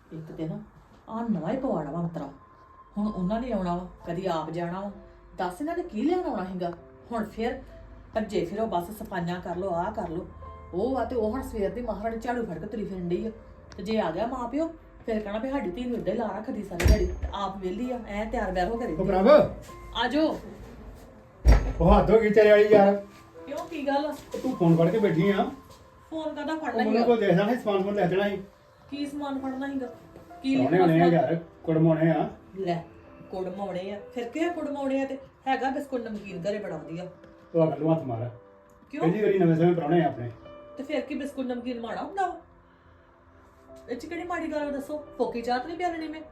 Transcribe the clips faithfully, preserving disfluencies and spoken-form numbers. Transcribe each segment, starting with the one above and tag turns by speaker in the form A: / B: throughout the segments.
A: ਇੱਕ ਤੇ ਨਾ ਆ ਨਵਾਂ ਹੀ ਪਵਾੜਾ ਵਾ ਮਤਰਾ ਹੁਣ ਉਹਨਾਂ ਨੇ ਆਉਣਾ ਵਾ ਕਦੀ ਆਪ ਜਾਣਾ ਵਾ ਦੱਸ ਇਹਨਾਂ ਨੇ ਕੀ ਲੈਣ ਆਉਣਾ ਹੈਗਾ ਹੁਣ ਫਿਰ ਭੱਜੇ ਫਿਰ ਉਹ ਬਸ ਸਫਾਈਆਂ ਕਰ ਲੋ ਆਹ ਕਰ ਲੋ ਉਹ ਆ ਤੇ ਉਹ ਹੁਣ ਸਵੇਰ ਦੀ ਮਹਾਰਾਣੀ ਝਾੜੂ ਫੜ ਕੇ ਤੁਰੀ ਫਿਰਨ ਡਈ ਆ ਤੇ ਜੇ ਆ ਗਿਆ ਮਾਂ ਪਿਓ ਫਿਰ ਕਹਣਾ ਵੀ ਸਾਡੀ ਧੀ ਨੂੰ ਏਦਾਂ ਹੀ ਲਾ ਰੱਖਦੀ ਸਾਰੀ ਦਿਹਾੜੀ ਤੇ ਆਪ ਵਿਹਲੀ ਆ ਐ ਤਿਆਰ ਬਿਆਰ ਹੋ
B: ਉਹ
A: ਕਰੇ
B: ਪ੍ਰਭ
A: ਆਜੋ
B: ਉਹ ਹੱਥ ਹੋ ਗਈ ਤੇਰੇ ਵਾਲੀ ਯਾਰ
A: ਕਿਉਂ ਕੀ ਗੱਲ
B: ਉਹ ਤੂੰ ਫੋਨ ਫੜ ਕੇ ਬੈਠੀ ਆ
A: ਫੋਨ ਕਰਦਾ
B: ਉਹ
A: ਫੜਨਾ
B: ਮੈਨੂੰ
A: ਹੀਗਾ
B: ਕੋਈ ਦੇਖਦਾ ਸੀ ਸਮਾਨ ਸਮੂਨ ਲੈ ਜਾਣਾ ਸੀ
A: ਕੀ ਸਮਾਨ ਫੜਨਾ ਹੀਗਾ ਕੀ
B: ਆਉਣੇ
A: ਲਿਖਣਾ
B: ਹੋਣੇ ਆ
A: ਸਮਾਨ?
B: ਯਾਰ ਕੁੜਮਾਉਣੇ ਆ
A: ਲੈ ਕੁੜਮਾਉਣੇ ਆ ਫਿਰ ਕੀ ਕੁੜਮਾਉਣੇ ਆ ਤੇ ਹੈਗਾ ਬਿਸਕੁਟ ਨਮਕੀਨ ਘਰੇ ਬੜਾ ਵਧੀਆ
B: ਤੂੰ ਆ ਗੱਲੋਂ ਹੱਥ ਮਾਰ
A: ਕਿਉਂ
B: ਪਹਿਲੀ ਵਾਰੀ ਨਵੇਂ ਸਮੇਂ ਪਰਾਉਣੇ ਆ ਆਪਣੇ
A: ਤੇ ਫਿਰ ਕੀ ਬਿਸਕੁਟ ਨਮਕੀਨ ਮਾੜਾ ਹੁੰਦਾ ਵਾ ਇਹ ਚ ਕਿਹੜੀ ਮਾੜੀ ਗੱਲ ਆ ਦੱਸੋ ਫੋਕੀ ਚਾਹ ਤੇ ਨਹੀਂ ਪਿਆਲਣੀ ਮੈਂ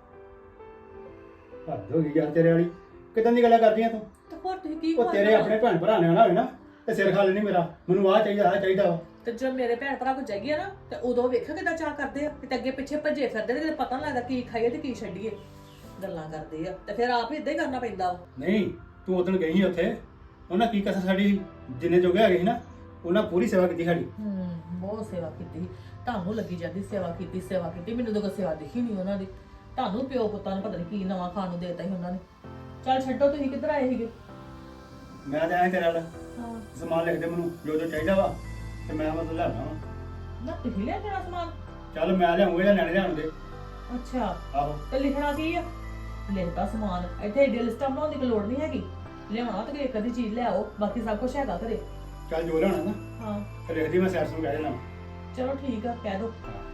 B: ਹੱਦ ਹੋ ਗਈ ਯਾਰ ਤੇਰੇ ਵਾਲੀ ਕਿਦਾਂ ਦੀ ਗੱਲਾਂ ਕਰਦੀਆਂ ਤੂੰ
A: ਤੇ ਹੋਰ ਤੁਸੀਂ ਕੀ
B: ਉਹ
A: ਖਵਾ
B: ਤੇਰੇ
A: ਲੈਣਾ?
B: ਆਪਣੇ ਭੈਣ ਭਰਾ ਨੇ ਆਉਣਾ ਹੋਵੇ ਨਾ ਤੇ ਸਿਰ ਖਾ ਲੈਣੀ ਮੇਰਾ ਮੈਨੂੰ ਆਹ ਚਾਹੀਦਾ ਆਹ ਚਾਹੀਦਾ ਵਾ
A: ਤੇ ਜਦ ਮੇਰੇ ਭੈਣ ਭਰਾ ਕੋ ਜਾਈਏ ਆ ਨਾ ਤੇ ਉਦੋਂ ਵੇਖਿਆ ਕਿਦਾਂ ਚਾਹ ਕਰਦੇ ਆ ਤੇ ਅੱਗੇ ਪਿੱਛੇ ਭੱਜੇ ਫਿਰਦੇ ਨੇ ਕਿਤੇ ਪਤਾ ਨਹੀਂ ਲੱਗਦਾ ਕੀ ਖਾਈਏ ਤੇ ਕੀ ਛੱਡੀਏ ਗੱਲਾਂ ਕਰਦੇ ਆ ਤੇ ਫਿਰ ਆਪ ਹੀ ਇਦਾਂ ਹੀ ਕਰਨਾ ਪੈਂਦਾ ਵਾ
B: ਨਹੀਂ ਤੂੰ ਉਦੋਂ ਗਈ ਸੀ ਉੱਥੇ ਉਹਨਾਂ ਕੀ ਕਸਰ ਸਾਡੀ ਜਿੰਨੇ ਜੋਗੇ ਹੈਗੇ ਸੀ ਨਾ ਉਹਨਾਂ ਪੂਰੀ ਸੇਵਾ ਕੀਤੀ ਸਾਡੀ
A: ਹੂੰ ਬਹੁਤ ਸੇਵਾ ਕੀਤੀ ਤੁਹਾਨੂੰ ਲੱਗੀ ਜਾਂਦੀ ਸੇਵਾ ਕੀਤੀ ਸੇਵਾ ਕੀਤੀ ਮੈਨੂੰ ਤਾਂ ਕੋਈ ਸੇਵਾ ਦਿਖੀ ਨਹੀਂ ਉਹਨਾਂ ਦੀ ਤੁਹਾਨੂੰ ਪਿਓ ਪੁੱਤਾਂ ਨੂੰ ਪਤਾ ਨਹੀਂ ਕੀ ਨਵਾਂ ਖਾਣ ਨੂੰ ਦੇਤਾ ਸੀ ਉਹਨਾਂ ਨੇ ਚੱਲ ਛੱਡੋ ਤੁਸੀਂ ਕਿੱਧਰ ਆਏ ਸੀਗੇ
B: ਮੈਂ ਤਾਂ ਐਂ ਤੇਰੇ ਨਾਲ
A: ਹਾਂ
B: ਸਮਾਨ ਲਿਖ ਦੇ ਮੈਨੂੰ ਜੋ ਜੋ ਚਾਹੀਦਾ ਵਾ ਤੇ ਮੈਂ ਮਤਲਬ ਲੈਣਾ ਵਾ
A: ਨਾ ਤੁਸੀਂ ਲਿਆ ਕਿਹੜਾ ਸਮਾਨ
B: ਚੱਲ ਮੈਂ ਲਿਆਉਂਗਾ ਜਾਂ ਨਿਆਣੇ ਲਿਆਉਣਗੇ
A: ਅੱਛਾ
B: ਆਹੋ
A: ਤੇ ਲਿਖਣਾ ਕੀ ਆ ਲਿਖਦਾ ਸਮਾਨ ਇੱਥੇ ਏਡੀ ਲਿਸਟਾਂ ਬਣਾਉਣ ਦੀ ਕੋਈ ਲੋੜ ਨਹੀਂ ਹੈਗੀ ਲਿਆਉਣਾ ਤੇ ਇੱਕ ਅੱਧੀ ਚੀਜ਼ ਲਿਆਓ ਬਾਕੀ ਸਭ ਕੁਝ ਹੈਗਾ ਘਰੇ
B: ਚੱਲ ਜੋ ਲਿਆਉਣਾ ਨਾ
A: ਹਾਂ
B: ਤੇ ਲਿਖ ਦੀ ਮੈਂ ਸੈਰ ਨੂੰ ਕਹਿ ਦੇਣਾ
A: ਚਲੋ ਠੀਕ ਆ ਕਹਿ ਦੋ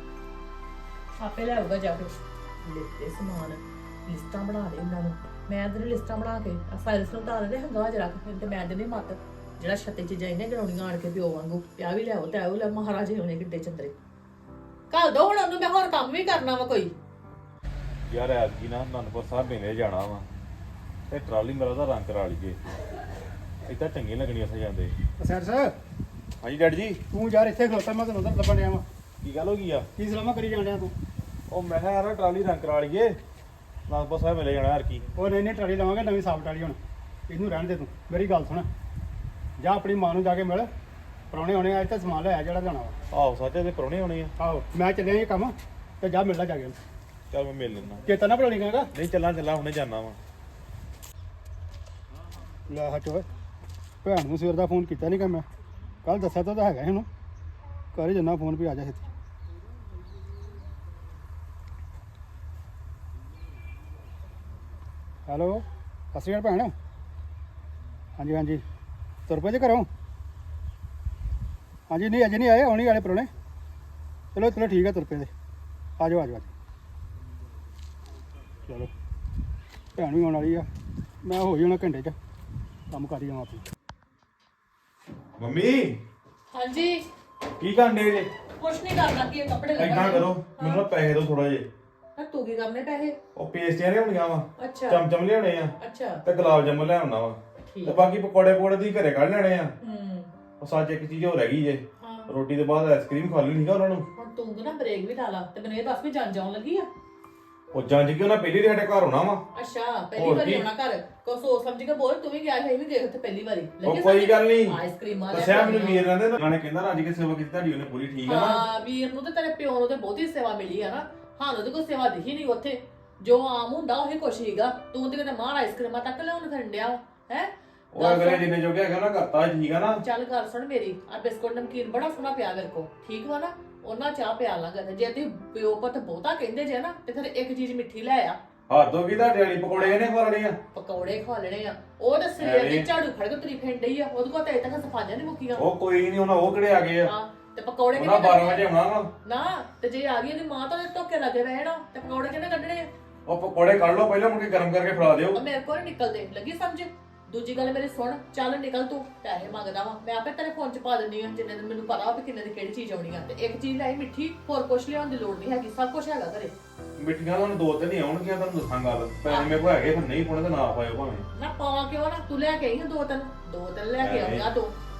A: ਆਪੇ ਲਿਆਊਗਾ ਜਾ ਕੇ ਲਿਖਦੇ ਸਮਾਨ ਲਿਸਟਾਂ ਬਣਾ ਦੇ ਉਹਨਾਂ ਨੂੰ ਮੈਂ ਤੇਰੇ ਲਿਸਟਾਂ ਬਣਾ ਕੇ ਆ ਫਾਈਲਸ ਨੂੰ ਉਤਾਰ ਦੇ ਹੰਗਾਜ ਰੱਖ ਫਿਰ ਤੇ ਮੈਂ ਦਿੰਦੀ ਮੱਤ ਜਿਹੜਾ ਛੱਤੇ ਚ ਜਾਈਨੇ ਗਰਾਉਣੀਆਂ ਆਣ ਕੇ ਪਿਓ ਵਾਂਗੂ ਪਿਆ ਵੀ ਲਿਆਓ ਤੇ ਆਓ ਲੈ ਮਹਾਰਾਜੇ ਹੋਣੇ ਕਿੱਡੇ ਚੰਦਰੇ ਕੱਲ ਦੋ ਹੁਣ ਉਹਨੂੰ ਮੈਂ ਹੋਰ ਕੰਮ ਵੀ ਕਰਨਾ ਵਾ ਕੋਈ
C: ਯਾਰ ਐਤਕੀ ਨਾ ਅਨੰਦਪੁਰ ਸਾਹਿਬ ਮੇਲੇ ਜਾਣਾ ਵਾ ਤੇ ਟਰਾਲੀ ਮੇਰਾ ਦਾ ਰੰਗ ਕਰਾ ਲਈਏ ਇੱਦਾਂ ਚੰਗੀਆਂ ਲੱਗਣੀਆਂ ਸੇ ਜਾਂਦੇ
B: ਸੈਰ ਸਰ
C: ਹਾਂਜੀ ਡੈਡ ਜੀ
B: ਤੂੰ ਯਾਰ ਇੱਥੇ ਖਲੋਤਾ ਮੈਂ ਤੈਨੂੰ ਉਧਰ ਲੱਭਣ ਡਿਆ ਵਾ
C: ਕੀ ਗੱਲ ਹੋ ਗਈ ਆ
B: ਕੀ ਸਲਾਮਾ ਕਰੀ ਜਾਣ ਡਿਆ ਤੂੰ
C: ਉਹ ਮੈਂ ਕਿਹਾ ਯਾਰ ਟਰਾਲੀ ਰੰਗ ਕਰਾ ਲਈਏ ਅਨੰਦਪੁਰ ਸਾਹਿਬ ਮੇਲੇ ਜਾਣਾ ਯਾਰ ਕੀ
B: ਉਹ ਨਹੀਂ ਨਹੀਂ ਟਰਾਲੀ ਲਵਾਂਗੇ ਨਵੀਂ ਸਾਫ ਟਰਾਲੀ ਹੁਣ ਇਹਨੂੰ ਰਹਿਣ ਦੇ ਤੂੰ ਮੇਰੀ ਗੱਲ ਸੁਣ ਜਾ ਆਪਣੀ ਮਾਂ ਨੂੰ ਜਾ ਕੇ ਮਿਲ ਪਰੌਣੇ ਆਉਣੇ ਆ ਇੱਥੇ ਸਮਾਨ ਲਿਆ ਜਿਹੜਾ ਜਾਣਾ ਵਾ
C: ਆਹੋ ਸੱਚੇ ਦੇ ਪਰੋਣੇ ਆਉਣੇ ਆ
B: ਆਹੋ ਮੈਂ ਚੱਲਿਆ ਇਹ ਕੰਮ ਤੇ ਜਾ ਮਿਲਦਾ ਜਾ ਕੇ ਉਹਨੂੰ।
C: ਚੱਲ ਮੈਂ ਮਿਲ ਲੈਣਾ
B: ਚੇਤਾ ਨਾ ਭੁਲਾਣੀ ਕਹਾਂਗਾ
C: ਨਹੀਂ ਚੱਲਾਂ ਚੱਲਾਂ ਹੁਣੇ ਜਾਣਾ ਵਾ
B: ਲੈ ਹੱਟ ਓਏ ਭੈਣ ਨੂੰ ਸਵੇਰ ਦਾ ਫੋਨ ਕੀਤਾ ਨਹੀਂ ਕਿ ਮੈਂ ਕੱਲ ਦੱਸਿਆ ਤਾਂ ਹੈਗਾ ਇਹਨੂੰ ਘਰ ਹੀ ਜੰਨਾ ਫੋਨ ਵੀ ਆ ਜਾ ਛੇਤੀ ਹੈਲੋ ਸਤਿ ਸ਼੍ਰੀ ਅਕਾਲ ਭੈਣ ਹਾਂਜੀ ਹਾਂਜੀ ਤੁਰ ਪਏ ਜੇ ਘਰੋਂ ਹਾਂਜੀ ਨਹੀਂ ਅਜੇ ਨਹੀਂ ਆਏ ਆਉਣੀ ਵਾਲੇ ਪਰੋਣੇ ਚਲੋ ਚਲੋ ਠੀਕ ਹੈ ਤੁਰ ਪਏ ਦੇ ਆ ਜਾਓ ਆ ਜਾਓ ਆ ਜਾਓ ਚਲੋ ਭੈਣ ਵੀ ਆਉਣ ਵਾਲੀ ਆ ਮੈਂ ਹੋ ਜਾਣਾ ਘੰਟੇ 'ਚ ਕੰਮ ਕਰੀ ਜਾਵਾਂ ਆਪਣੀ
C: ਮੰਮੀ
A: ਹਾਂਜੀ
C: ਕੀ ਕਰਦੇ ਜੇ
A: ਕੁਛ ਨਹੀਂ ਕਰਨਾ ਕੀ ਕੱਪੜੇ ਲੱਭਣ
C: ਏਦਾਂ ਕਰੋ ਮੈਨੂੰ ਨਾ ਪੈਸੇ ਦਿਓ ਥੋੜਾ ਜੇ
A: ਨਾ ਤੂੰ ਕੀ ਕਰਨੇ ਪੈਸੇ
C: ਉਹ ਪੇਸਟੀਆਂ ਲਿਆਉਣੀਆਂ ਵਾ
A: ਅੱਛਾ
C: ਚਮਚਮ ਲਿਆਉਣੇ ਆ
A: ਅੱਛਾ
C: ਤੇ ਗੁਲਾਬ ਜਾਮੁਨ ਲਿਆਉਣਾ ਵਾ
A: ਠੀਕ
C: ਤੇ ਬਾਕੀ ਪਕੌੜੇ ਪਕੌੜੇ ਦੀ ਘਰੇ ਕੱਢ ਲੈਣੇ ਆ
A: ਹੂੰ
C: ਉਹ ਸੱਚ ਇੱਕ ਚੀਜ਼ ਹੋਰ ਹੈਗੀ ਜੇ
A: ਹਾਂ
C: ਰੋਟੀ ਤੋਂ ਬਾਅਦ ਆਈਸਕ੍ਰੀਮ ਖਾ ਲਈ ਠੀਕ ਆ ਉਹਨਾਂ ਨੂੰ
A: ਹੁਣ ਤੂੰ ਤਾਂ ਨਾ ਬ੍ਰੇਕ ਵੀ ਲਾ ਲਾ ਤੇ ਮੈਨੂੰ ਇਹ ਦੱਸ ਵੀ ਜਾਣ ਜਾਉਣ ਲੱਗੀ ਆ
C: ਉਹ ਜੰਜ ਕੇ ਉਹਨਾਂ ਪਹਿਲੀ ਦੇ ਸਾਡੇ ਘਰ ਹੋਣਾ ਵਾ
A: ਅੱਛਾ ਪਹਿਲੀ
C: ਹੋਰ
A: ਵਾਰੀ
C: ਕੀ?
A: ਆਉਣਾ ਘਰ ਕੋ ਸੋਚ ਸਮਝ ਕੇ ਬੋਲ ਤੂੰ ਵੀ ਗਿਆ ਸੀ ਵੀ ਗਏ ਉੱਥੇ ਪਹਿਲੀ ਵਾਰੀ
C: ਉਹ ਕੋਈ ਗੱਲ ਨਹੀਂ
A: ਆਈਸਕ੍ਰੀਮਾਂ
C: ਦੱਸਿਆ ਮੈਨੂੰ ਵੀਰ ਰਹਿੰਦੇ ਨਾ ਨਾਲੇ ਕਹਿੰਦਾ ਰੱਜ ਕੇ ਸੇਵਾ ਕੀਤੀ ਤੁਹਾਡੀ ਉਹਨੇ ਪੂਰੀ ਠੀਕ ਆ ਨਾ
A: ਹਾਂ ਵੀਰ ਨੂੰ ਤੇ ਤੇਰੇ ਪਿਓ ਨੂੰ ਤੇ ਬਹੁਤੀ ਸੇਵਾ ਮਿਲੀ ਆ ਨਾ ਸਾਨੂੰ ਤੇ ਕੋਈ ਸੇਵਾ ਦਿਖੀ ਨਹੀਂ ਉੱਥੇ ਜੋ ਆਮ ਹੁੰਦਾ ਉਹੀ ਕੁਛ ਹੀਗਾ ਤੂੰ ਤੇ ਕਿਤੇ ਮਾਰ ਆਈਸਕ੍ਰੀਮਾਂ ਤੱਕ ਲਿਆਉਣ ਫਿਰਨ ਡਿਆ ਹੈ
C: ਉਹ ਅਗਲੇ ਜਿੰਨੇ ਜੋਗੇ ਹੈਗਾ ਨਾ ਕਰਤਾ ਠੀਕ ਆ ਨਾ
A: ਚੱਲ ਗੱਲ ਸੁਣ ਮੇਰੀ ਆ ਬਿਸਕੁਟ ਨਮਕੀਨ ਬੜਾ ਸੋਹਣਾ ਪਿਆ ਮੇਰੇ ਕੋ ਠੀਕ ਵਾ ਨਾ ਉਹਨਾਂ ਚਾਹ ਪਿਆ ਲਾਂਗਾ ਤੇ ਜੇ ਤੁਸੀਂ ਪਿਓ ਪੁੱਤ ਬਹੁਤਾ ਕਹਿੰਦੇ ਜੇ ਨਾ ਤੇ ਫਿਰ ਇੱਕ ਚੀਜ਼ ਮਿੱਠੀ ਲੈ ਆ
C: ਹੱਥ ਹੋ ਗਈ ਤੁਹਾਡੇ ਵਾਲੀ ਪਕੌੜੇ ਇਹਨੇ ਖਵਾਲਣੇ ਆ
A: ਪਕੌੜੇ ਖਾ ਲੈਣੇ ਆ ਉਹ ਤਾਂ ਸਰੀਰ ਦੀ ਝਾੜੂ ਫੜ ਕੇ ਤੁਰੀ ਫਿਰਨ ਡਈ ਆ ਉਹਦੇ ਕੋਲ ਤਾਂ ਅਜੇ ਤੱਕ ਸਫਾਈਆਂ ਨਹੀਂ ਮੁੱਕੀਆਂ
C: ਉਹ ਕੋਈ ਨਹੀਂ ਉਹਨਾਂ ਉਹ ਕਿਹੜੇ ਆ ਗਏ ਆ
A: ਹਾਂ ਤੇ ਪਕੌੜੇ
C: ਉਹਨਾਂ
A: ਕਿਹਨੇ
C: ਬਾਰਾਂ ਵਜੇ ਆਉਣਾ ਵਾ
A: ਨਾ ਤੇ ਜੇ ਆ ਗਈ ਇਹਦੀ ਮਾਂ ਤਾਂ ਉਹਦੇ ਧੋਕੇ ਲੱਗੇ ਰਹਿਣਾ ਤੇ ਪਕੌੜੇ ਕਿਹਨੇ ਕੱਢਣੇ ਆ
C: ਉਹ ਪਕੌੜੇ ਕੱਢ ਲਓ ਪਹਿਲਾਂ ਮੁੜ ਕੇ ਗਰਮ ਕਰਕੇ ਫੜਾ ਦਿਓ
A: ਉਹ ਮੇਰੇ ਕੋਲ ਨੀ ਨਿਕਲਦੇ ਲੱਗੀ ਸਮਝ ਦੂਜੀ ਗੱਲ ਮੇਰੀ ਸੁਣ ਚੱਲ ਨਿਕਲ ਤੂੰ ਪੈਸੇ ਮੰਗਦਾ ਵਾ ਮੈਂ ਆਪੇ ਤੇਰੇ ਫੋਨ 'ਚ ਪਾ ਦਿੰਦੀ ਆ ਜਿੰਨੇ ਦਿਨ ਮੈਨੂੰ ਪਤਾ ਹੋਵੇ ਕਿੰਨੇ ਦੀ ਕਿਹੜੀ ਚੀਜ਼ ਆਉਣੀ ਆ ਤੇ ਇੱਕ ਚੀਜ਼ ਲੈ ਮਿੱਠੀ ਹੋਰ ਕੁਛ ਲਿਆਉਣ ਦੀ ਲੋੜ ਨਹੀਂ ਹੈਗੀ ਸਭ ਕੁਝ ਹੈਗਾ ਘਰੇ
C: ਮਿੱਠੀਆਂ ਤੁਹਾਨੂੰ ਦੋ ਤਿੰਨ ਹੀ ਆਉਣਗੀਆਂ ਤੁਹਾਨੂੰ ਦੱਸਾਂ ਗੱਲ ਪੈਸੇ ਮੇਰੇ ਕੋਲ ਹੈਗੇ ਫਿਰ ਨਹੀਂ ਪਾਉਣੇ ਤਾਂ ਨਾ ਪਾਇਓ ਭਾਵੇਂ
A: ਨਾ ਪਾਵਾਂ ਕਿਉਂ ਨਾ ਤੂੰ ਲੈ ਕੇ ਆਈ ਆ ਦੋ ਤਿੰਨ ਦੋ ਤਿੰਨ ਲੈ ਕੇ ਆਉਂਗਾ ਤੂੰ